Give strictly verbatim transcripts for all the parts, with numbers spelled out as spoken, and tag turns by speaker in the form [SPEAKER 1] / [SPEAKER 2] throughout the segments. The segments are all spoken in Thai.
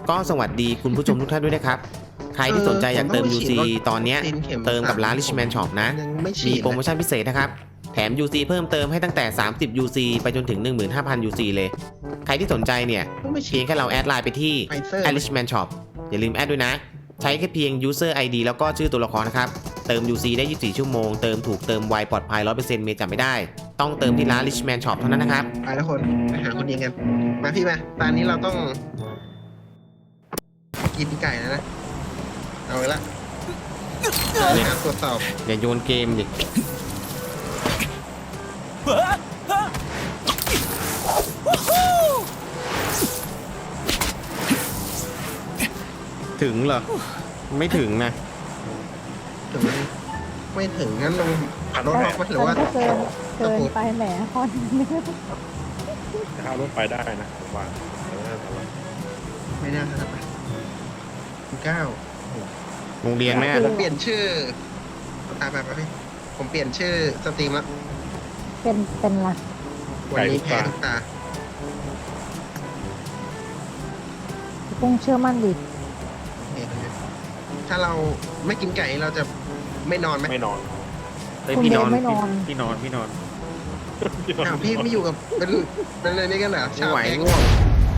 [SPEAKER 1] ก็สวัสดีคุณผู้ชมทุกท่านด้วยนะครับใครที่สนใจอยากเติม ยู ซี ตอนนี้เติมกับร้าน Richman Shop นะมีโปรโมชั่นพิเศษนะครับแถม ยู ซี เพิ่มเติมให้ตั้งแต่สามสิบ ยู ซี ไปจนถึง หนึ่งหมื่นห้าพัน ยู ซี เลยใครที่สนใจเนี่ยเพียงแค่เราแอดไลน์ไปที่ Richman Shop อย่าลืมแอดด้วยนะใช้แค่เพียง User ไอ ดี แล้วก็ชื่อตัวละครนะครับเติม ยู ซี ได้ยี่สิบสี่ชั่วโมงเติมถูกเติมไวปลอดภัย ร้อยเปอร์เซ็นต์ เมย์จำไม่ได้ต้องเติมที่ร้าน Richman Shop เท่านั้นนะครับ
[SPEAKER 2] ไปแล้วคนไปหาคนยิงกันมาพี่มาตอนนี้เราต้องกินไก่แล้วนะเอาไว้ละการตรวจสอบ
[SPEAKER 1] อย่าโยนเกมดิถึงเหรอไม่ถึงนะ
[SPEAKER 2] ถึงไม่ถึงงั้นลงขับรถออกมาหรือว่า
[SPEAKER 3] เกินเกินไปแหมคอน
[SPEAKER 4] ขับรถไปได้นะผมว่า
[SPEAKER 2] ไม่น่าจะไปเก้า
[SPEAKER 1] โรงเรียนแม่
[SPEAKER 2] ผมเปลี่ยนชื่อตาไปไปพี่ผมเปลี่ยนชื่อสตรีมแล้ว
[SPEAKER 3] เป็นเป็นละ
[SPEAKER 2] วันนี้แพ้ทุกตา
[SPEAKER 3] ต้องเชื่อมั่นดิ
[SPEAKER 2] ถ้าเราไม่กินไก่เราจะไม่นอนไหม
[SPEAKER 4] ไม่นอน
[SPEAKER 1] เฮ้ยพี่นอนพี่นอนพี่นอน
[SPEAKER 2] อ้าวพี่ไม่อยู่กับเป็นเป็นอะไรนี่กันเหรอ
[SPEAKER 1] ชาวไหวง่วง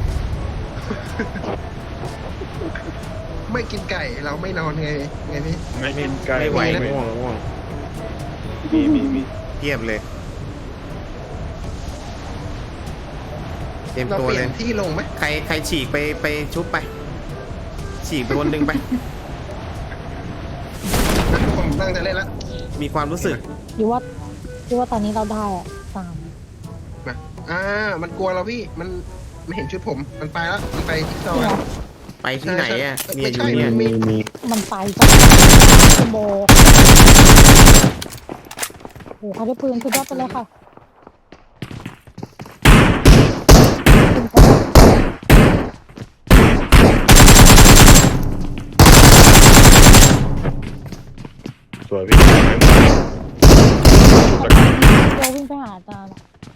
[SPEAKER 2] ไม่กินไก่เราไม่นอนไงไงพี่
[SPEAKER 4] ไม่กินไก่
[SPEAKER 1] ไม่ไหวง่วงง่วง
[SPEAKER 4] มีมีมี
[SPEAKER 1] เทียบเลยเต็มตัวเลย
[SPEAKER 2] ที่ลงไหม
[SPEAKER 1] ใครใครฉีกไปไปชุบไปฉีกไปคนหนึ่งไป
[SPEAKER 2] ผมตั้งใจเล่นแล้ว
[SPEAKER 1] มีความรู้สึก
[SPEAKER 3] อยู่ว่าอยู่ว่าตอนนี้เราได้อะสาม
[SPEAKER 2] มาอ่ามันกลัวเราพี่มันไม่เห็นชุดผมมันไปแล้วมันไปที่ซอย
[SPEAKER 1] ไปที่ไหนอ่ะเนี่ยอยู่เนี่ย
[SPEAKER 3] มันไปจ้ะโบโอ้เขาได้ปืนสุดยอดไปเลยค่ะ
[SPEAKER 4] สวยพี่
[SPEAKER 3] เราวิ่งไปหาอาจารย์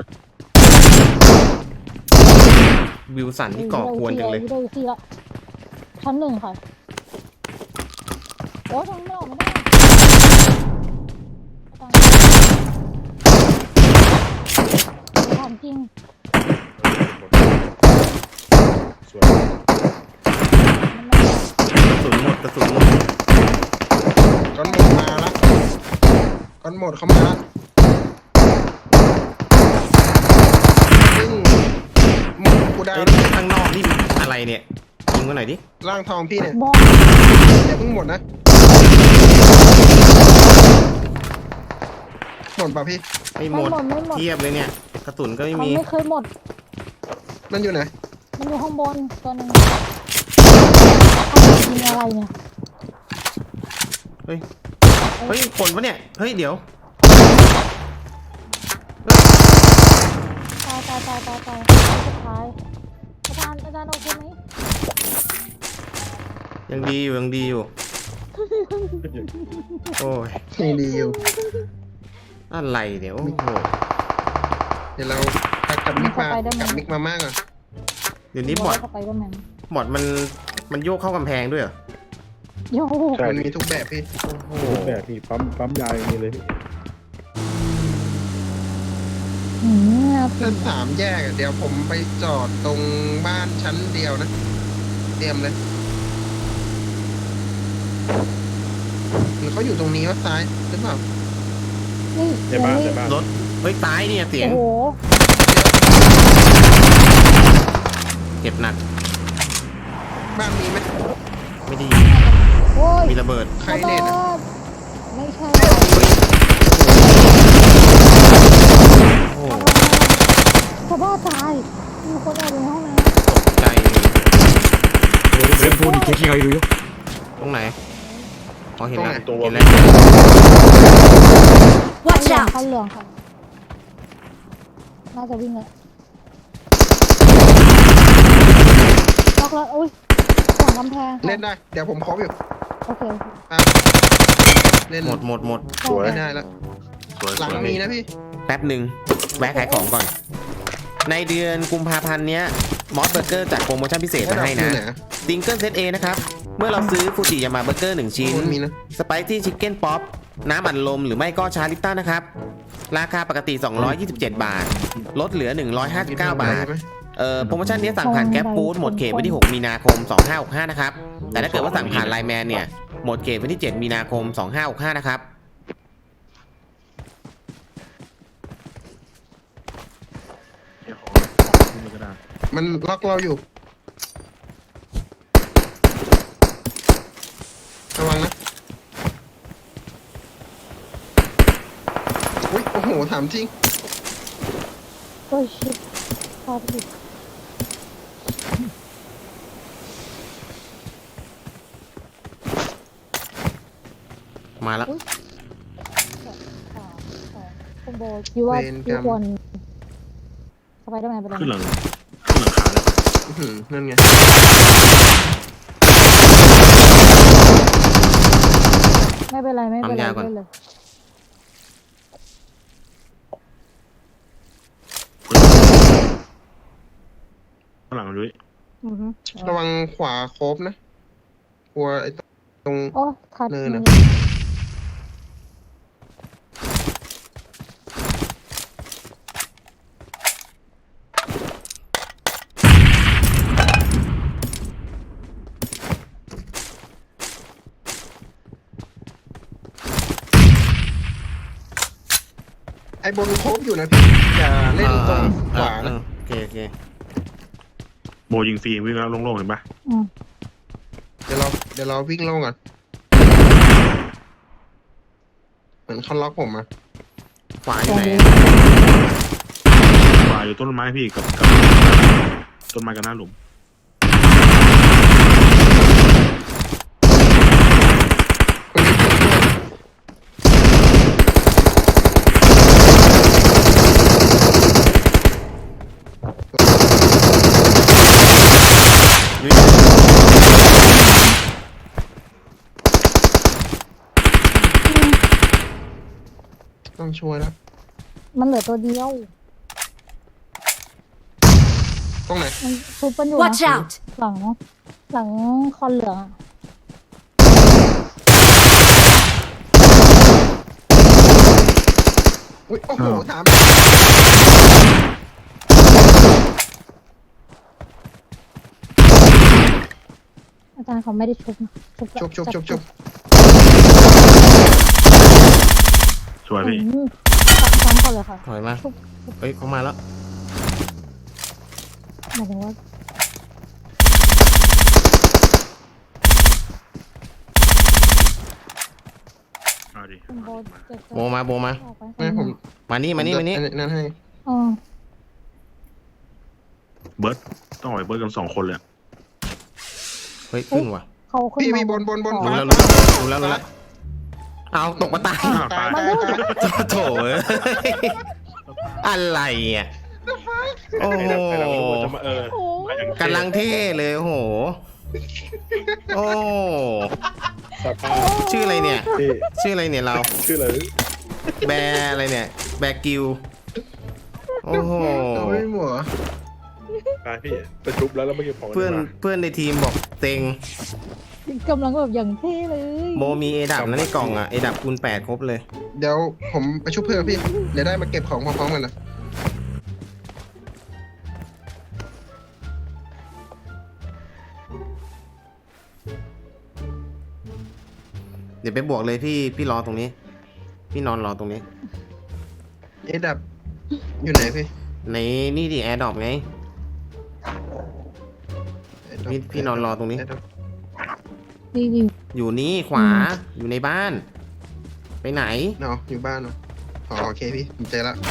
[SPEAKER 1] วิวสันที่ก่อกวนจังเลย
[SPEAKER 3] ดูสิละชั้นหนึ่งค่ะโอ้ทั้งนอกไม่ได้ถามจริง
[SPEAKER 4] สวย
[SPEAKER 1] กระสุนหมดกระสุนหมด
[SPEAKER 2] ก้อนหมดมาละก้อนหมดเข้ามาละซึ่งหมดกูได้
[SPEAKER 1] ข้างนอกนี่อะไรเนี่ยยิงมาหน่อยดิ
[SPEAKER 2] ร่างทองพี่เนี่ยอย่าเพิ่งหมดนะหมดป่ะพี่
[SPEAKER 1] ไม่หมดเทียบเลยเนี่ยกระสุนก็ไม่มี
[SPEAKER 3] ไม่เคยหมด
[SPEAKER 2] มันอยู่ไหน
[SPEAKER 3] มันอยู่ข้างบนตัวนึงยิงอะไรเนี่ย
[SPEAKER 1] เฮ้ยเฮ้ยคนปะเนี่ยเฮ้ยเดี๋ยว
[SPEAKER 3] ตายตายตายตายตายสุดท้ายอาจารย์อาจารย์โอเคไหม
[SPEAKER 1] ยังดีอยู่ยังดีอยู่โอ้ย
[SPEAKER 2] ยังดีอยู่
[SPEAKER 1] อะไรเดี๋ยวโอ้โห
[SPEAKER 2] เดี๋ยวเรากับมิกมากับมิกมามากก่อน
[SPEAKER 1] เดี๋ยวนี้บอดบอดมันมันโยกเข้ากำแพงด้วยเหรอ
[SPEAKER 3] โยก
[SPEAKER 2] มันมีทุกแบบพี่
[SPEAKER 4] ทุกแบบพี่ปั๊มปั๊มยาอย่างนี้เลย
[SPEAKER 2] ชั้นสามแยกเดี๋ยวผมไปจอดตรงบ้านชั้นเดียวนะเตรียมเลยหรือเขาอยู่ตรงนี้ว่าซ้ายหรือเปล่า
[SPEAKER 4] ในบ้านในบ้าน
[SPEAKER 1] รถเฮ้ยตายเนี่ยเสียง
[SPEAKER 3] โอ้
[SPEAKER 1] เจ็บหนัก
[SPEAKER 2] บ้านมีไหม
[SPEAKER 1] ไม่ดีมีระเบิด
[SPEAKER 2] ใครเล่น
[SPEAKER 3] ไม่ใช่
[SPEAKER 1] โอ้
[SPEAKER 3] ชาวบ้านตายมีคนเอาในห้องน้
[SPEAKER 1] ำใจ
[SPEAKER 4] 前方に敵がいるよ
[SPEAKER 1] ตรงไหนพอเห็นแล้ว
[SPEAKER 4] ตัว
[SPEAKER 1] เห็นแล้ว
[SPEAKER 3] ว่าจะเข้าเหลืองค่ะน่าจะวิ่งเลยล็อกแล้วอุ้ยหลังกำแพง
[SPEAKER 2] เล่นได้เดี๋ยวผมครบอยู่
[SPEAKER 3] โอเค
[SPEAKER 2] เล่น
[SPEAKER 1] หมดหมดหมด
[SPEAKER 2] สวยได้แล้วหลังมีนะพี่
[SPEAKER 1] แป๊บหนึ่งแวะขายของก่อนในเดือนกุมภาพันธ์เนี้ยมอสเบอร์เกอร์จัดโปรโมชั่นพิเศษมาให้นะซิงเกิลเซต A นะครับ เมื่อเราซื้อฟูจิยามาเบอร์เกอร์หนึ่งชิ้น
[SPEAKER 2] มันมีนะ
[SPEAKER 1] สไปซี่ชิคเก้นป๊อปน้ำอัดลมหรือไม่ก็ชาลิปตันนะครับ ราคาปกติ สองร้อยยี่สิบเจ็ด บาท ลดเหลือ หนึ่งร้อยห้าสิบเก้า บาท
[SPEAKER 2] ใช่ไหม
[SPEAKER 1] เอ่อโปรโมชั่นนี้สั่งผ่านแก๊ปฟู้ดหมดเขตวันที่ หก มีนาคม สองห้าหกห้า นะครับ แต่ถ้าเกิดว่าสั่งผ่านไลน์แมนเนี่ย หมดเขตวันที่ เจ็ด มีนาคม สองห้าหกห้า นะครับ
[SPEAKER 4] เดี๋ยวขอขึ้นมือกระดาษ
[SPEAKER 2] มันล็อกเราอยู่ระวังนะอุ้ยโอ้โหถามจริง
[SPEAKER 3] โอ้ยชิบพาไปดิ
[SPEAKER 1] มาแล้ว
[SPEAKER 3] สามสองคุณโบคิดว่า
[SPEAKER 2] เวรกรรม
[SPEAKER 3] พี่ควรสไปเดอร์แมนไปเลย
[SPEAKER 4] ขึ้นหลังขึ้นหลังคาแล้ว
[SPEAKER 2] อื้อหือนั่นไง
[SPEAKER 3] ไม่เป็นไรไม่เป็นไร
[SPEAKER 1] ปั๊มยาก่อน
[SPEAKER 3] เล่นเลย
[SPEAKER 4] ข้างหลังด้วย
[SPEAKER 3] อือฮึ
[SPEAKER 2] ระวังขวาโคบนะกลัวไอ้ตรง
[SPEAKER 3] โอ้ทัด
[SPEAKER 2] เนินอะ ไอ้บนโคบอยู่นะพี่อย่าเล่นตรงขวา
[SPEAKER 1] เอ
[SPEAKER 2] นะ
[SPEAKER 1] อโอเคโอเค
[SPEAKER 4] โบยิงฟรีวิ่งแล้วโล่งๆเห็นปะ
[SPEAKER 3] อืม
[SPEAKER 2] เดี๋ยวเราเดี๋ยวเราวิ่งลงก่อนเหมือนเขาล็อกผมอะ
[SPEAKER 1] ขวาอยู่ไหน
[SPEAKER 4] วายอยู่ต้นไม้พี่กับกับต้นไม้กับหน้าหลุม
[SPEAKER 2] ต้องช่วยแล้ว
[SPEAKER 3] มันเหลือตัวเดียว
[SPEAKER 2] ตรงไหน
[SPEAKER 3] มันซุปกันอยู่
[SPEAKER 5] Watch
[SPEAKER 3] นะ
[SPEAKER 5] out!
[SPEAKER 3] หลัง หลังคอนเหลืองอะ
[SPEAKER 2] อุ้ยโอ้โหถาม
[SPEAKER 3] อาจารย์เขาไม่ได้ชุบนะชุบ
[SPEAKER 2] ชุบชุบชุบชุบ
[SPEAKER 4] สวยพี่
[SPEAKER 3] อืมซ้ำก่อนเลยค่ะ
[SPEAKER 1] ถอยมา
[SPEAKER 3] ชุบ
[SPEAKER 1] เฮ้ยเขามาแล้ว
[SPEAKER 3] หมายถึงว่า
[SPEAKER 4] เอาดิ
[SPEAKER 3] คุณโบเจ็บ
[SPEAKER 1] โบมาโบมา
[SPEAKER 3] ออกไป
[SPEAKER 2] ไม่ผม
[SPEAKER 1] มานี่มานี่มานี่
[SPEAKER 2] อันั่นให้
[SPEAKER 3] อ๋อ
[SPEAKER 4] เบิร์ดต้องออกไปเบิร์ดกันสองคนเลยอะ
[SPEAKER 1] เฮ้ยขึ้นว่ะ
[SPEAKER 3] เขาขึ้น
[SPEAKER 2] พี่
[SPEAKER 3] มา
[SPEAKER 2] มีบนบนบน
[SPEAKER 1] รู้
[SPEAKER 2] ฟ้า
[SPEAKER 1] แล้วรู้แล้วรู้แล้วรู้แล้วเอาตกมาตาย
[SPEAKER 4] อ้าวตาย
[SPEAKER 2] ตายตายตาย
[SPEAKER 1] โถเอ้ยอะไรอ่ะโอ้โห
[SPEAKER 4] ไอ้เราจะมาเออมาอย่างเท่
[SPEAKER 1] กำลังเท่เลยโอ้โหโอ้
[SPEAKER 4] สภาพ
[SPEAKER 1] ชื่ออะไรเนี่ย
[SPEAKER 4] พี่
[SPEAKER 1] ชื่ออะไรเนี่ยเรา
[SPEAKER 4] ชื่ออะไร
[SPEAKER 1] แบร์อะไรเนี่ย แบร์กิวโอ้โห
[SPEAKER 2] เอาไม่หมัว
[SPEAKER 4] ตายพี่ไปชุบแล้วแล้วเมื่อกี้ผม
[SPEAKER 1] เพื่อนเพื่อนในทีมบอกเต็ง
[SPEAKER 3] กำลังแบบอย่างเท่เลย
[SPEAKER 1] โมมีเอดับนะในกล่องอ่ะเอดับคูณแปดครบเลย
[SPEAKER 2] เดี๋ยวผมไปชุบเพื่อนพี่ เดี๋ยวได้มาเก็บของพร้อมๆกันนะ
[SPEAKER 1] เดี๋ยวไปบวกเลยพี่พี่รอตรงนี้ พี่นอนรอตรงนี้
[SPEAKER 2] เอ๊ะดับอยู่ไหนพี่
[SPEAKER 1] ในนี่ดิแอร์ดรอปไง
[SPEAKER 2] เอ๊ะดับ
[SPEAKER 1] พี่พี่นอนรอตรงนี้
[SPEAKER 2] เอ๊ะดับ
[SPEAKER 3] ดีดี
[SPEAKER 1] อยู่นี่ขวาอยู่ในบ้าน ไปไหน
[SPEAKER 2] เนาะอยู่บ้านเนาะอ๋อโอเคพี่ผมเจอละ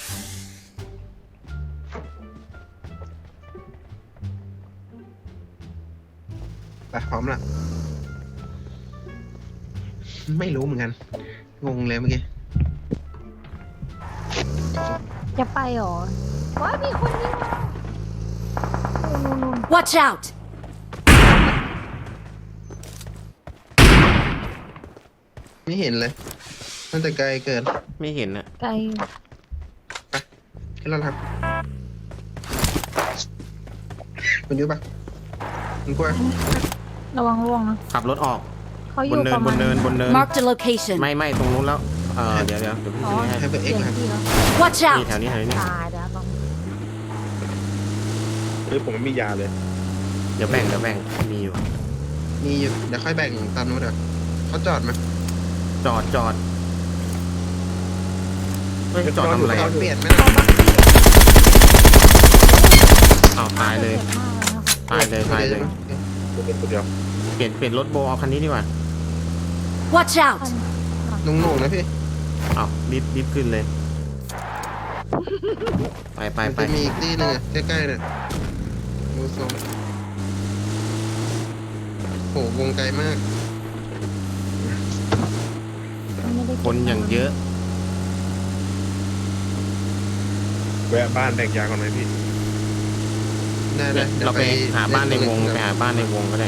[SPEAKER 2] ไปพร้อมละไม่รู้เหมือนกัน งงเลยเมื่อกี้
[SPEAKER 3] จะไปเหรอว้ามีคนยิงมานู่นนู่น
[SPEAKER 5] Watch out!
[SPEAKER 2] ไม่เห็นเลยน่าจะไกลเกิน
[SPEAKER 1] ไม่เห็นอะ
[SPEAKER 3] ไกล
[SPEAKER 2] ขึ้นแล้วครับคุณยุ้ยปะคุณกล้วย
[SPEAKER 3] ระวังร่วงนะ
[SPEAKER 1] ขับรถออก
[SPEAKER 3] เขาอบ
[SPEAKER 1] น
[SPEAKER 3] ยู่
[SPEAKER 1] เนิ
[SPEAKER 3] ป
[SPEAKER 1] น
[SPEAKER 3] ระ
[SPEAKER 1] บ
[SPEAKER 3] มาณ
[SPEAKER 1] นเนินบนเนิน
[SPEAKER 5] Marked a location.
[SPEAKER 1] ไม่ไม่ตรงนู้นแล้วเออเดี๋ยวเดี๋ยวเดี๋ยวพี่
[SPEAKER 3] อ๋อ
[SPEAKER 1] ชี้ให้
[SPEAKER 2] ให้ไป
[SPEAKER 3] เป
[SPEAKER 2] เอ็ก
[SPEAKER 3] ลี่ย
[SPEAKER 2] ซ์
[SPEAKER 3] น
[SPEAKER 2] นะ
[SPEAKER 3] ที่แล้ว
[SPEAKER 5] Watch
[SPEAKER 1] นี่
[SPEAKER 5] out.
[SPEAKER 1] แถวนี้แถวนี้
[SPEAKER 3] ตายเดี๋ยวต้อง
[SPEAKER 4] เฮ้ยผมไม่มียาเลย
[SPEAKER 1] เดี๋ยวแบ่งเดี๋ยวแบ่งมีอยู่
[SPEAKER 2] มีอยู่เดี๋ยวค่อยแบ่งตามนู้นเดี๋ยวเขาจอดไหม
[SPEAKER 1] จอดจอดเฮ้ยจอดทำอะไร
[SPEAKER 2] จอ
[SPEAKER 1] อ่ะ
[SPEAKER 2] ดเปลี่ยนไหมนะ
[SPEAKER 1] อ้าวตายเลย
[SPEAKER 3] จ็บมากเลยนะคะ
[SPEAKER 1] ตายเลยตายเลย
[SPEAKER 4] ตัวเป็นตัวเดียว
[SPEAKER 1] เปลี่ยนเปลี่ยนรถโบเอาคันนี้ดีกว่า
[SPEAKER 5] Watch out.
[SPEAKER 2] นุ่งๆนะพี่
[SPEAKER 1] อ้าวรีบรีบขึ้นเลย ไปไป
[SPEAKER 2] มัน
[SPEAKER 1] ไป
[SPEAKER 2] จะมีอีกที่หนึงอะใกล้ๆเนี่ยดูทรงโหวงไกลมาก
[SPEAKER 3] ไม่ได้เก็บ
[SPEAKER 1] คนอย่างเยอะ
[SPEAKER 4] แวะบ้านแบ่งยาก่อนไหมพี่
[SPEAKER 2] ได้ได้ดี๋ยว
[SPEAKER 1] เราไปหาบ้านในวง
[SPEAKER 2] เล่
[SPEAKER 1] ไป
[SPEAKER 2] ตร
[SPEAKER 1] หาบ้านในวงก็ได้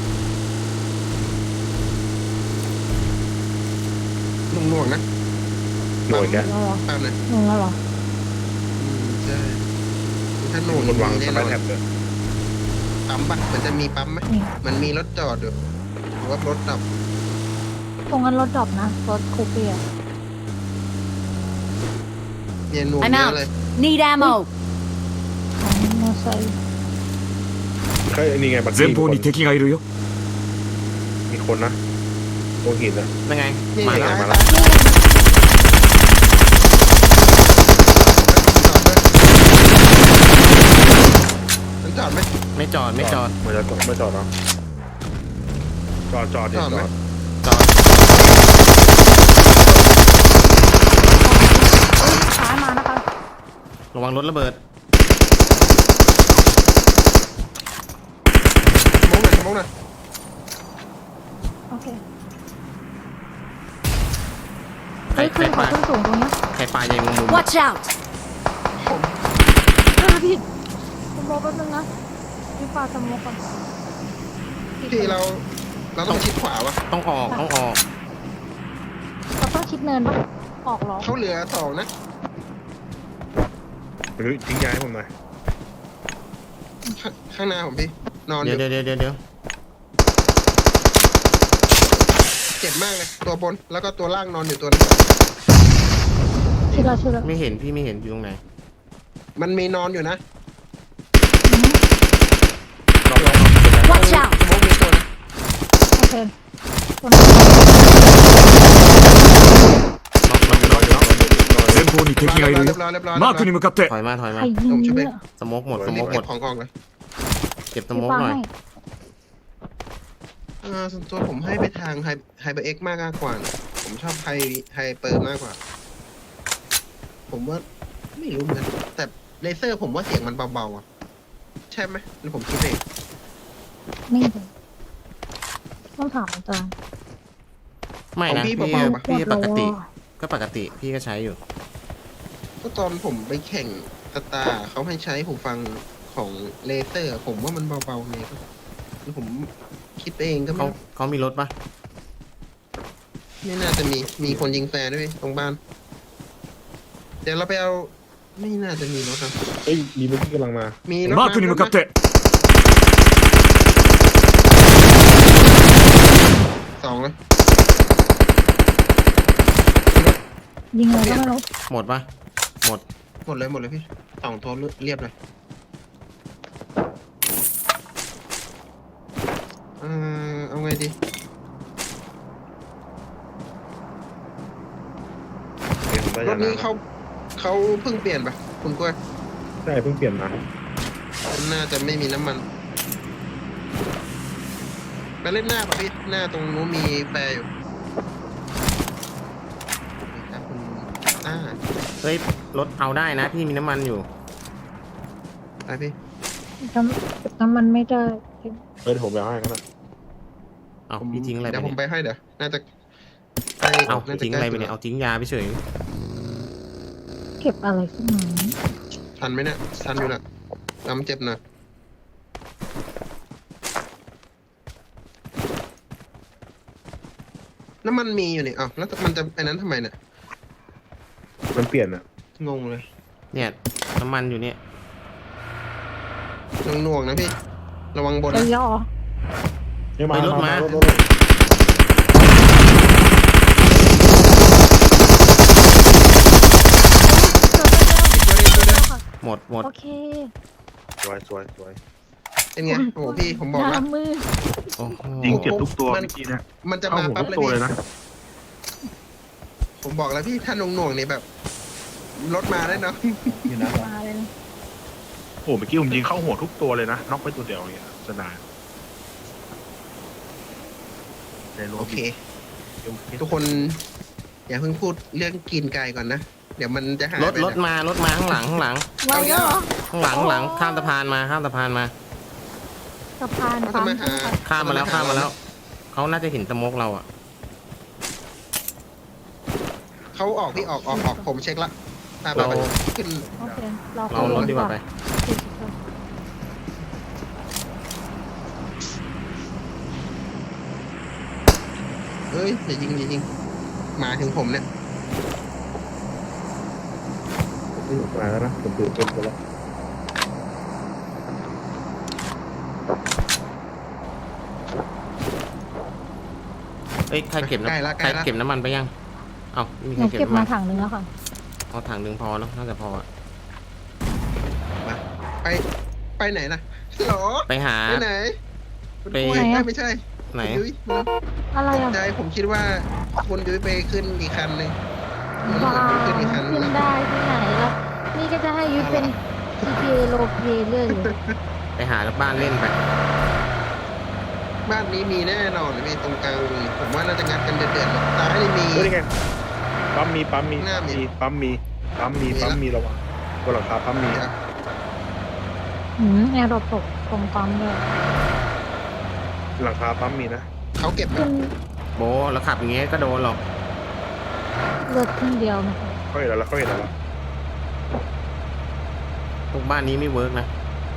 [SPEAKER 2] นุ่งๆนะ
[SPEAKER 4] หน่วยแก
[SPEAKER 3] แล้วเหรอ
[SPEAKER 2] ตามนะ
[SPEAKER 3] หนึ่งแล้วเหรอ
[SPEAKER 2] อืมใช่ถ้าห
[SPEAKER 4] มี
[SPEAKER 2] นุ่ง
[SPEAKER 4] คนวาง
[SPEAKER 2] แน่
[SPEAKER 4] ส
[SPEAKER 2] น
[SPEAKER 4] ไป
[SPEAKER 2] อน
[SPEAKER 4] แท็บเลย
[SPEAKER 2] ปั๊มปะมันจะมีปั๊มไหม
[SPEAKER 3] นี่
[SPEAKER 2] มันมีรถจอดอยู่หรือว่ารถดับ
[SPEAKER 3] ตรงนั้นรถดรอปนะรถคูเปีย
[SPEAKER 2] เนี่ยหนุ่ม
[SPEAKER 5] I'm
[SPEAKER 2] เย
[SPEAKER 5] out
[SPEAKER 2] อะเลย
[SPEAKER 5] Need ammo.
[SPEAKER 3] ของมอไซค์
[SPEAKER 4] เฮ้ยนี่ไงบัตร
[SPEAKER 6] 前方に敵がいるよ
[SPEAKER 4] มีคนนะตรงหินนะ
[SPEAKER 1] นั่นไง
[SPEAKER 2] นี่
[SPEAKER 1] มาแล้ว
[SPEAKER 2] ไง
[SPEAKER 1] มาแล้ว
[SPEAKER 2] มันจอดไหม
[SPEAKER 1] ไม่จอดไม่จอด
[SPEAKER 4] ไม่จอดไม่จอดเนาะจอดจอดดิ
[SPEAKER 2] จอด
[SPEAKER 4] จ
[SPEAKER 2] ไหม
[SPEAKER 4] อด
[SPEAKER 1] จอด
[SPEAKER 3] ซ้ายมานะคะ
[SPEAKER 1] ระวังรถระเบิด
[SPEAKER 2] มองหน่อยมองหน่อย
[SPEAKER 3] โอเค
[SPEAKER 1] ใคร
[SPEAKER 3] เฮ้ย
[SPEAKER 1] ใคร
[SPEAKER 3] ขึ้น
[SPEAKER 1] ป
[SPEAKER 3] เขา
[SPEAKER 1] ลา
[SPEAKER 3] ขึ้นสูงตรงเนี้ย
[SPEAKER 1] ใครปลาใหญ่มุมมุม
[SPEAKER 5] Watch out.
[SPEAKER 2] ผม
[SPEAKER 3] เออพี่สโมกแป๊บนึงนะพี่ปาสโมกก่อน
[SPEAKER 2] พี่เรา เราต้องชิดขวาวะ
[SPEAKER 1] ต้องออกต้องออก
[SPEAKER 3] เราต้องชิดเนินปะออกเหรอ
[SPEAKER 2] เขาเหลือสองนะ
[SPEAKER 4] เฮ้ยทิ้งยาให้ผมหน่อย
[SPEAKER 2] ข้างข้างหน้าผมพี่ นอนอ
[SPEAKER 1] เดี๋ยว
[SPEAKER 2] ยู่
[SPEAKER 1] เดี๋ยวเดี๋ยวเดี๋ยว
[SPEAKER 2] เจ็บมากเลย ตัวบน แล้วก็ตัวล่างนอนอยู่ตัวนึง
[SPEAKER 3] ชิดแล้วชิดแล้ว
[SPEAKER 1] ไม่เห็นพี่ไม่เห็นอยู่ตรงไหน
[SPEAKER 2] มันมีนอนอยู่นะ
[SPEAKER 3] อืม
[SPEAKER 4] รอบรอบ
[SPEAKER 5] Watch out.
[SPEAKER 2] สโมกมีตัวนะ
[SPEAKER 3] โอเคคนนั้น
[SPEAKER 1] น็อกน็อกน็อกน็อก
[SPEAKER 6] 前方に敵がいる
[SPEAKER 2] เรี
[SPEAKER 6] よ
[SPEAKER 2] ยบร้อยเรียบร้อย
[SPEAKER 6] マークに向かって
[SPEAKER 1] ถอยมาถอยมา
[SPEAKER 3] ใครยิงเนี่ย
[SPEAKER 1] สโมกหมดส
[SPEAKER 2] รี
[SPEAKER 1] โม
[SPEAKER 2] บ
[SPEAKER 1] กหม
[SPEAKER 2] เก็
[SPEAKER 1] ด
[SPEAKER 2] บของออกเลย
[SPEAKER 1] เก็บส
[SPEAKER 3] พี่
[SPEAKER 1] โมก
[SPEAKER 3] ปา
[SPEAKER 1] หน่อย
[SPEAKER 3] ให้
[SPEAKER 2] เออส่วนตัวผมให้ไปทางไฮไฮเปอร์เอ็กมากกว่านะผมชอบไฮไฮเปอร์มากกว่า ผมว่าไม่รู้เหมือนกันแต่เลเซอร์ผมว่าเสียงมันเบาๆอ่ะ ใช่ไหมหรือผมคิดเอง
[SPEAKER 3] นี่เลยต้องถามอาจารย์
[SPEAKER 1] ไม่นะ
[SPEAKER 2] ของพี่
[SPEAKER 1] พี่
[SPEAKER 2] เบาๆปะ
[SPEAKER 1] พี่ปกติ
[SPEAKER 3] หมดแล้วอะ
[SPEAKER 1] ก็ปกติพี่ก็ใช้อยู่
[SPEAKER 2] ก็ตอนผมไปแข่งสตาร์เขาให้ใช้หูฟังของเลเซอร์ ผมว่ามันเบาๆไงก็แล้วผมคิดเองก็
[SPEAKER 1] เขา
[SPEAKER 2] ไม่
[SPEAKER 1] เขามีรถปะ
[SPEAKER 2] ไม่น่าจะมีมีคนยิงแฟร์ด้วยตรงบ้าน เดี๋ยวเราไปเอาไม่น่าจะมีรถนะ
[SPEAKER 4] เฮ้ยมีเมื่อกี้กำลังมา
[SPEAKER 2] มีรถ
[SPEAKER 6] マークに向かって
[SPEAKER 2] สองเลย
[SPEAKER 3] ยิงอะไรก็ไม่รู้
[SPEAKER 1] หมดปะหมด
[SPEAKER 2] หมดเลยหมดเลยพี่สองตัวเรียบเลยเออเอาไงดี
[SPEAKER 4] เห็นผมได้
[SPEAKER 2] ร
[SPEAKER 4] ยา
[SPEAKER 2] ถนี้
[SPEAKER 4] น้ำ
[SPEAKER 2] เขาเขาเพิ่งเปลี่ยนปะคุณกล้วย
[SPEAKER 4] ใช่เพิ่งเปลี่ยนมา
[SPEAKER 2] น่าจะไม่มีน้ำมันไปเล่นหน้าป่ะพี่หน้าตรงนู้นมีแฟร์อยู่นี่ครับคุณอ่า
[SPEAKER 1] เฮ้ยรถเอาได้นะ พี่มีน้ำมันอยู่
[SPEAKER 2] ไปพี่
[SPEAKER 3] น้ำเก็บน้ำมันไม่ได้
[SPEAKER 4] เฮ้ยเดี๋ยวผมไปเอาให้กันนะ
[SPEAKER 1] เอา
[SPEAKER 2] ผม
[SPEAKER 1] พี่ทิ้งอะไรไป
[SPEAKER 2] เดี๋ยวผม
[SPEAKER 1] เนี่ย
[SPEAKER 2] ไปให้เดี๋ยวน่าจะใกล้
[SPEAKER 1] เอา
[SPEAKER 2] น่า
[SPEAKER 1] พี่
[SPEAKER 2] จะ
[SPEAKER 1] ทิ้ง
[SPEAKER 2] ใก
[SPEAKER 1] อะไร
[SPEAKER 2] ล้
[SPEAKER 1] ไปเนี่ยเอาทิ้งยาไปเฉย
[SPEAKER 3] เก็บอะไรขึ้นมา
[SPEAKER 2] ทันไหมเนี่ยทันอยู่นะจำเจ็บหนะน้ำมันมีอยู่นี่อ้าวแล้วมันจะไอ้นั้นทำไมเนี่ย
[SPEAKER 4] มันเปลี่ยนอ่ะ
[SPEAKER 2] งงเลย
[SPEAKER 1] เนี่ยน้ำมันอยู่เนี่ย
[SPEAKER 2] หน่วงๆนะพี่ ระวังบน
[SPEAKER 3] จะ
[SPEAKER 2] นะ
[SPEAKER 3] ย่อ
[SPEAKER 4] เดี๋ยวมา
[SPEAKER 1] ไปรถมา
[SPEAKER 4] รถรถรถ
[SPEAKER 2] ตัวเดียวตัวเดียว
[SPEAKER 1] หมดหมด
[SPEAKER 3] โอเค
[SPEAKER 4] สวยสวยสวย
[SPEAKER 2] เป็นไงโอ้โหพี่ผมบอกแล้ว
[SPEAKER 3] น้ำมือ
[SPEAKER 1] โอ้โห
[SPEAKER 4] ยิงเจ็บทุกตัว
[SPEAKER 2] มัน
[SPEAKER 4] เมื่อกี้นะ
[SPEAKER 2] มันจะ
[SPEAKER 4] เข้า
[SPEAKER 2] มา
[SPEAKER 4] หัว
[SPEAKER 2] ปั๊บ
[SPEAKER 4] ทุก
[SPEAKER 2] เลย
[SPEAKER 4] ตัว
[SPEAKER 2] พี่
[SPEAKER 4] เลยนะ
[SPEAKER 2] ผมบอกแล้วพี่ถ้าหน่วงหน่วงๆเนี่ยแบบรถมาได้เนาะ
[SPEAKER 3] มาเลย
[SPEAKER 4] โอ้เมื่อกี้ผมยิงเข้าหัวทุกตัวเลยนะน็อกไปตัวเดียวอย่างเงี้ยสนานในรถ
[SPEAKER 2] โอเค ทุกคนอย่าเพิ่งพูดเรื่องกินไก่ก่อนนะ เดี๋ยวมันจะหาย
[SPEAKER 1] รถ
[SPEAKER 2] ไป
[SPEAKER 1] รถมารถมาข้างหลังข้างหลัง
[SPEAKER 3] ไว้แล้วเหรอ
[SPEAKER 1] ข้างหลังข้างหลังข้ามสะพานมาข้ามสะพานมา
[SPEAKER 3] สะพาน
[SPEAKER 2] เขาจะ
[SPEAKER 3] ปั๊ม
[SPEAKER 2] มาหา
[SPEAKER 1] ข้ามมาแล้วข้ามมาแล้วเขาน่าจะเห็นสโมกเราอ่ะ
[SPEAKER 2] เขาออกพี่ออกออกออกผมเช็คละอ่ะไป
[SPEAKER 1] เรา
[SPEAKER 2] ไปขึ้น
[SPEAKER 3] โอเคเรา
[SPEAKER 1] เรารถดีกว่าไป
[SPEAKER 2] เอ้ยอย่ายิงอย่ายิงมาถึงผมเนี่ย
[SPEAKER 4] นี่มาแล้วนะผมตื่นเต้นไปแล้ว
[SPEAKER 1] เอ้ยใครเก็บ
[SPEAKER 2] ใกล้ละ
[SPEAKER 1] น้ำ
[SPEAKER 2] ใก
[SPEAKER 1] ใคร
[SPEAKER 2] ล้ละ
[SPEAKER 1] เก็บน้ำมันไปยังเอ้าไม่มี
[SPEAKER 3] ห
[SPEAKER 1] ใคร
[SPEAKER 3] นู
[SPEAKER 1] เก็บ
[SPEAKER 3] เก็บ
[SPEAKER 1] น้ำ
[SPEAKER 3] มา
[SPEAKER 1] มัน
[SPEAKER 3] ถังนึงแล้วค่ะ
[SPEAKER 1] เอาถังหนึ่งพอเนาะน่าจะพออะ
[SPEAKER 2] มาไปไปไหนนะหรอ
[SPEAKER 1] ไปหา
[SPEAKER 2] ไปไหนคุณ
[SPEAKER 1] ไป
[SPEAKER 2] ปุ้ย
[SPEAKER 3] ไหนอะ
[SPEAKER 2] ไม่ใช่
[SPEAKER 1] ไหน
[SPEAKER 2] คุณยุ้ยมา
[SPEAKER 3] อะไร
[SPEAKER 2] ต
[SPEAKER 3] อ่ะ
[SPEAKER 2] กใจผมคิดว่าคุณยุ้ยไปขึ้นอีกคันหนึ่งมัน
[SPEAKER 3] บ้า
[SPEAKER 2] เหมือนไปขึ้นอีกคันหนึ
[SPEAKER 3] ขึ้
[SPEAKER 2] ง
[SPEAKER 3] นได้ที่ไหนแล้วนี่ก็จะให้ยุ้ยเป็น จี พี เอ โลเพเรื่อยเลย
[SPEAKER 1] ไปหาบ้านเล่นไป
[SPEAKER 2] บ้านนี้มีแน่นอนเลยพี่ตรงกลางมีผมว่าน่าจะงัดกันเดือดๆเลยซ้ายนี่มี
[SPEAKER 4] เฮ้ยนี่ไงปั๊มมีปั๊มมี
[SPEAKER 2] หน้ามี
[SPEAKER 4] มีปั๊มมีปั๊มมี
[SPEAKER 2] มี
[SPEAKER 4] ปั๊ม
[SPEAKER 2] ละ
[SPEAKER 4] มีระวังบนหลังคาปั๊มมี
[SPEAKER 2] ครับ
[SPEAKER 3] หืมแอร์ดรอปตกตรงปั๊มเลย
[SPEAKER 4] หลังคาปั๊มมีนะ
[SPEAKER 2] เขาเก็บไหม
[SPEAKER 3] ขึ้น
[SPEAKER 1] โบแล้วขับอย่างเงี้ยก็โดนหรอก
[SPEAKER 3] เลือดครึ่งเดียวนะคะ
[SPEAKER 4] เขาเห็นแล้วแล้วเขาเห็นแล้วแล้ว
[SPEAKER 1] พวกบ้านนี้ไม่เวิร์กนะ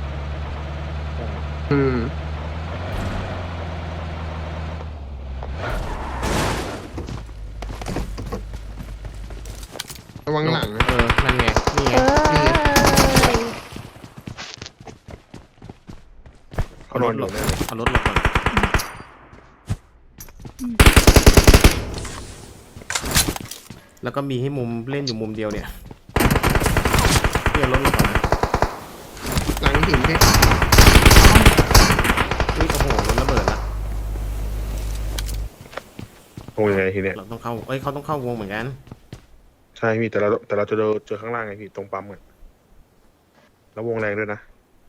[SPEAKER 2] อืมระวังหลังนะ
[SPEAKER 1] เออนั่นไงนี่ไง
[SPEAKER 3] เอ้ย
[SPEAKER 4] เขานอนอยู่แน่เลย
[SPEAKER 1] เอารถหลบก่อนแล้วก็มีให้มุมเล่นอยู่มุมเดียวเนี่ยเพื่อรถหลบก่อนนะ
[SPEAKER 2] หลังหินพี่
[SPEAKER 1] อุ้ยโอ้โหรถระเบิดละ
[SPEAKER 4] โอ้ยังไงทีเนี้ย
[SPEAKER 1] เราต้องเข้าเอ้ยเขาต้องเข้าวงเหมือนกัน
[SPEAKER 4] ใช่พี่แต่เราแต่เราจะเจอเจอข้างล่างไงพี่ตรงปั๊มไงแล้ววงแรงด้วยนะ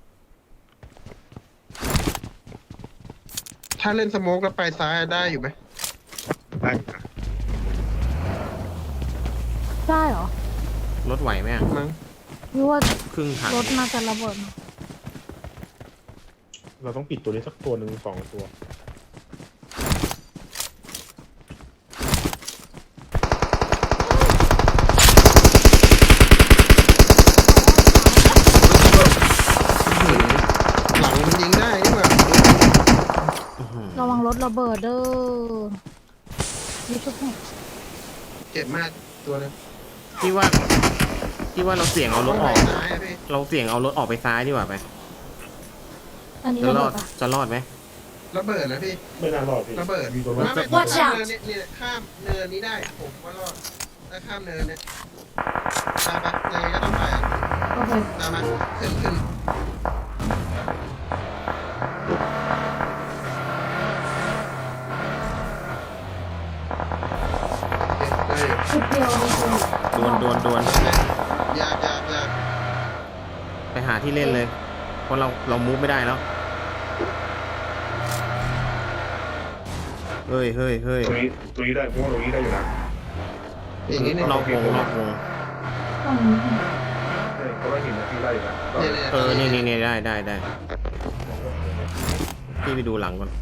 [SPEAKER 2] ถ้าเล่นสโมกแล้วไปซ้ายได้อยู่ไหม
[SPEAKER 4] ได้นะ
[SPEAKER 3] ได้เหรอ
[SPEAKER 1] รถไหวไหมอะ
[SPEAKER 2] มั้ง
[SPEAKER 3] ยุ้ยว่า
[SPEAKER 1] ครึ่งถัง
[SPEAKER 3] รถน่าจะระเบิด
[SPEAKER 4] เราต้องปิดตัวนี้สักตัวหนึ่งสองตัว
[SPEAKER 2] หลังมันยิงได้นี่หว่า
[SPEAKER 1] อื้อหือ
[SPEAKER 3] ระวังรถระเบิดเด้อยุ้ยชุบให้
[SPEAKER 2] เจ็บมากตัวนึง
[SPEAKER 1] พี่ว่าพี่ว่าเราเสี่ยงเอารถออก
[SPEAKER 2] ซ้ายอะพี่
[SPEAKER 1] เราเสี่ยงเอารถออกไปซ้ายดีกว่าไป
[SPEAKER 3] อันนี้
[SPEAKER 1] จะ
[SPEAKER 3] ระ
[SPEAKER 1] รอ
[SPEAKER 3] เบิ
[SPEAKER 1] ด
[SPEAKER 3] ดปะ
[SPEAKER 1] จะรอดไหม
[SPEAKER 2] ระเบิดนะพี่
[SPEAKER 4] ไม่น่ารอดพี่
[SPEAKER 2] ระเบิด
[SPEAKER 4] มีตัว
[SPEAKER 2] ไม่
[SPEAKER 4] นั้น
[SPEAKER 2] ไม่
[SPEAKER 5] Watch
[SPEAKER 2] ข้าม
[SPEAKER 5] out
[SPEAKER 2] เนินเนี่ยเนี่ยข้ามเนินนี้ได้ผมว่ารอดถ้าข้ามเนินเนี่ยตามไปยังไงก็ต้องไปอะ
[SPEAKER 3] โอเค
[SPEAKER 2] ตามมาขึ้นขึ้นโอเคได้อยู่
[SPEAKER 3] ชุดเดียวเลยคุณ
[SPEAKER 1] ดวนดวนดวน
[SPEAKER 2] ยากยากยาก
[SPEAKER 1] ไปหาที่เล่นเลย เพราะเราเรามูฟไม่ได้แล้วเฮ้ยเฮ้ยเฮ้ย
[SPEAKER 4] ตรงนี้ตรงนี้ได้เพราะว่าตรงนี้ได้อยู่นะ
[SPEAKER 2] อย่างนี้เนี่ย
[SPEAKER 1] นอกวงนอกวง
[SPEAKER 3] ต้องนี้
[SPEAKER 4] ใช่เพราะว่าหินนะพี่ได้อยู่นะ
[SPEAKER 2] เนี่ยเนี่ย
[SPEAKER 1] เออนี่นี่นี่ได้ได้ได้พี่ไปดูหลังก่อน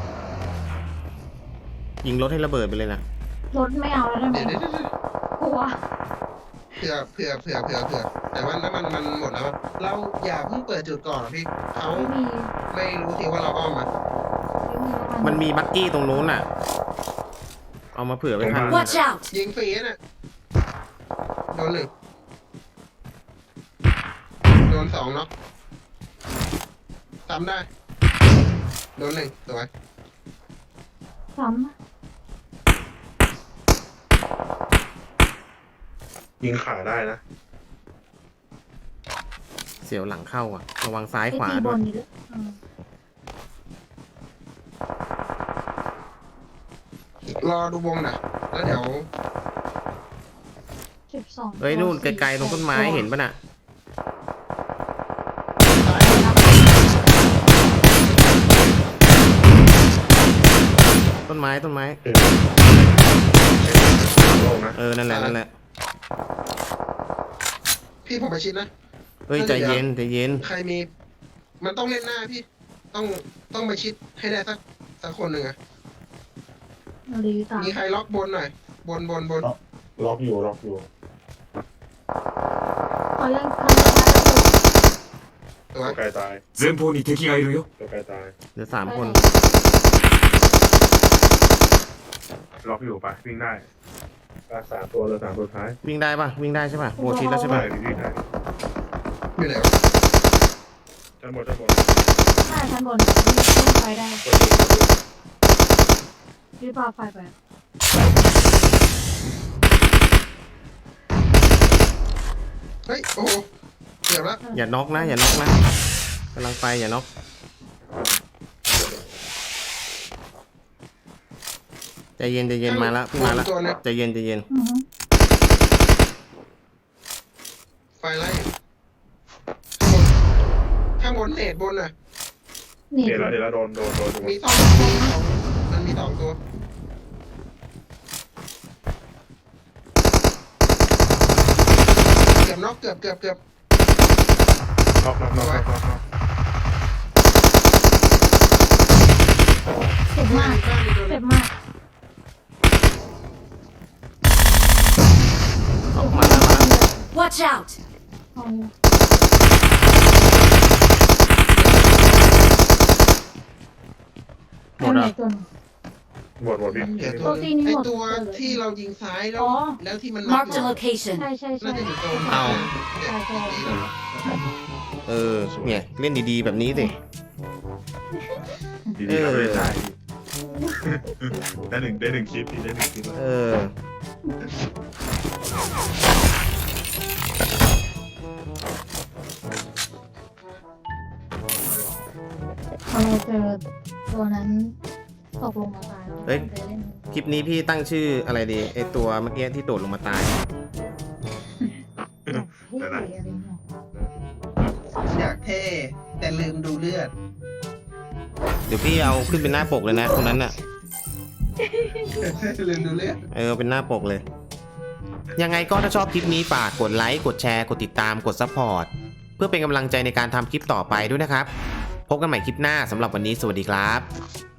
[SPEAKER 1] ยิงรถให้ระเบิดไปเลยนะ
[SPEAKER 3] รถไม่เอาแล้วได้ไหม
[SPEAKER 2] เดี๋ยวเดี๋ยวเดี๋ยว
[SPEAKER 3] กลัว
[SPEAKER 2] เผื่อเผื่อเผื่อเผื่อเผื่อแต่ว่าน้ำมันมันหมดแล้วอะเราอย่าเพิ่งเปิดจุดก่อนอะพี่เขา
[SPEAKER 3] ไม่มี
[SPEAKER 2] ไม่รู้ทีว่าเราอ้อมมา
[SPEAKER 3] ไม่มีแล้ว
[SPEAKER 1] มันมีบักกี้ตรงนู้นน่ะ เอามาเผื่อไว้ข้าง
[SPEAKER 5] Watch out!
[SPEAKER 2] ยิงฟรีน่ะโดนหนึ่งโดนสองเนาะทำได้โดนหนึ่งสวย
[SPEAKER 3] ซ้
[SPEAKER 4] ยิงขาได้นะ
[SPEAKER 1] เสียวหลังเข้าอ่ะ ระวังซ้าย
[SPEAKER 3] ำ
[SPEAKER 1] ขวา
[SPEAKER 3] ไอ้ตีบ
[SPEAKER 1] ด้วย
[SPEAKER 3] นนี่ด้วยอืม
[SPEAKER 2] รอดูวงนะแล้วเดี๋ยว
[SPEAKER 3] สิบสอง
[SPEAKER 1] เฮ้ยนู่นไกลๆตรงต้นไม้เห็นปะน่ะ
[SPEAKER 2] ตาย
[SPEAKER 1] ต้นไม้ต้นไม้
[SPEAKER 4] เออลงนะ
[SPEAKER 1] เออ นั่นแหละนั่นแหละ
[SPEAKER 2] พี่ผมไปชิดนะ
[SPEAKER 1] เฮ้ยใจเย็นใจเย็น
[SPEAKER 2] ใครมี มันต้องเล่นหน้าพี่ ต้องต้องไปชิดให้ได้สักสักคนหนึ่งอะ
[SPEAKER 3] นาฬิกา
[SPEAKER 2] มีใครล็อกบนหน่อย บนบนบน
[SPEAKER 4] ล็อกอยู่ล็อกอยู่
[SPEAKER 3] เขายังทำไม่ได้
[SPEAKER 2] ตัว
[SPEAKER 4] ตัวไกลตาย
[SPEAKER 6] 前方に敵がいるよ
[SPEAKER 4] ตัวไกลตาย
[SPEAKER 1] เหลือสามคน
[SPEAKER 4] ล็อกอยู่ไปวิ่งได้รักษาตัวเลยสามตัวท้าย
[SPEAKER 1] วิ่งได้ปะวิ่งได้ใช่ปะโบชิดแล้วใช่
[SPEAKER 4] ไป
[SPEAKER 1] ปะ
[SPEAKER 4] วิ่งได้
[SPEAKER 2] อยู่ไหนวะ
[SPEAKER 4] ชั้นบนชั้นบน
[SPEAKER 3] ใช่ชั้นบนขึ้นไฟได้
[SPEAKER 4] กดดูกดดู
[SPEAKER 3] รีบปาไฟไป
[SPEAKER 2] เฮ้ย โอ้โหเกือบละ
[SPEAKER 1] อย่าน็อกนะ อย่าน็อกนะกำลังไปอย่าน็อกใจเย็นใจเย็นมาแล้วพี่มาแล้ว
[SPEAKER 2] ตัวนึง
[SPEAKER 1] ใจเย็นใจเย็น
[SPEAKER 3] อือฮึ
[SPEAKER 2] ไฟไล่ข้างบนข้างบนเนตบนน่ะ
[SPEAKER 3] นี่
[SPEAKER 4] เดี๋ยวละเดี๋ยวละโดนโดนโดนโดน
[SPEAKER 2] มีสองมีสองมันมีสองตัว เกือบน็อกเกือบเกือบเกือบ
[SPEAKER 4] ล็อกล็อกล็อกล็อกล็อกล็อก
[SPEAKER 3] เจ็บมาก
[SPEAKER 2] บ้านมีตัวห
[SPEAKER 3] เจ็
[SPEAKER 2] นึ่
[SPEAKER 3] บ
[SPEAKER 2] ง
[SPEAKER 3] มาก
[SPEAKER 1] ออกมาแล้วมาแล้ว
[SPEAKER 5] Watch out!
[SPEAKER 3] เอา
[SPEAKER 1] หมดแล้ว
[SPEAKER 3] ไอ้ตัวหนึ่ง
[SPEAKER 4] หมดหมดพี่
[SPEAKER 2] เดี๋ยวตั
[SPEAKER 3] ตัว วตีนี่
[SPEAKER 2] ไอ
[SPEAKER 3] หมด
[SPEAKER 2] ตัว
[SPEAKER 3] เลย
[SPEAKER 2] ที่เรายิงซ้ายแล้ว
[SPEAKER 3] อ๋อ
[SPEAKER 2] แล้วที่มันน็อก
[SPEAKER 5] Marked
[SPEAKER 2] อยู่
[SPEAKER 5] a location.
[SPEAKER 3] ใช่ใช่ใช่
[SPEAKER 2] น่าจะอยู่ตรง
[SPEAKER 1] เอา
[SPEAKER 2] เจ็ดสิบปีแล้ว
[SPEAKER 1] เออเนี่ยเล่นดีๆแบบนี้สิ
[SPEAKER 4] ดีๆเราไม่ได้ได้หนึ่งได้หนึ่งคลิปพี่ได้หนึ่งคลิป
[SPEAKER 1] เออ
[SPEAKER 3] พอเราเจอตัวนั้นตกลงมาตายแล้ว
[SPEAKER 1] เฮ้ย
[SPEAKER 3] ไปเล่น
[SPEAKER 1] คลิปนี้พี่ตั้งชื่ออะไรดีไอตัวเมื่อกี้ที่โดดลงมาตาย
[SPEAKER 3] เฮ้ยอะไรเงี้ย
[SPEAKER 2] อยากเท่แต่ลืมดูเลือด
[SPEAKER 1] เดี๋ยวพี่เอาขึ้นเป็นหน้าปกเลยนะตรงนั้นน่ะ
[SPEAKER 2] ลืมดูเลือด
[SPEAKER 1] เออเป็นหน้าปกเลย ยังไงก็ถ้าชอบคลิปนี้ฝากกดไลค์กดแชร์กดติดตามกดซัพพอร์ตเพื่อเป็นกำลังใจในการทำคลิปต่อไปด้วยนะครับ พบกันใหม่คลิปหน้าสำหรับวันนี้สวัสดีครับ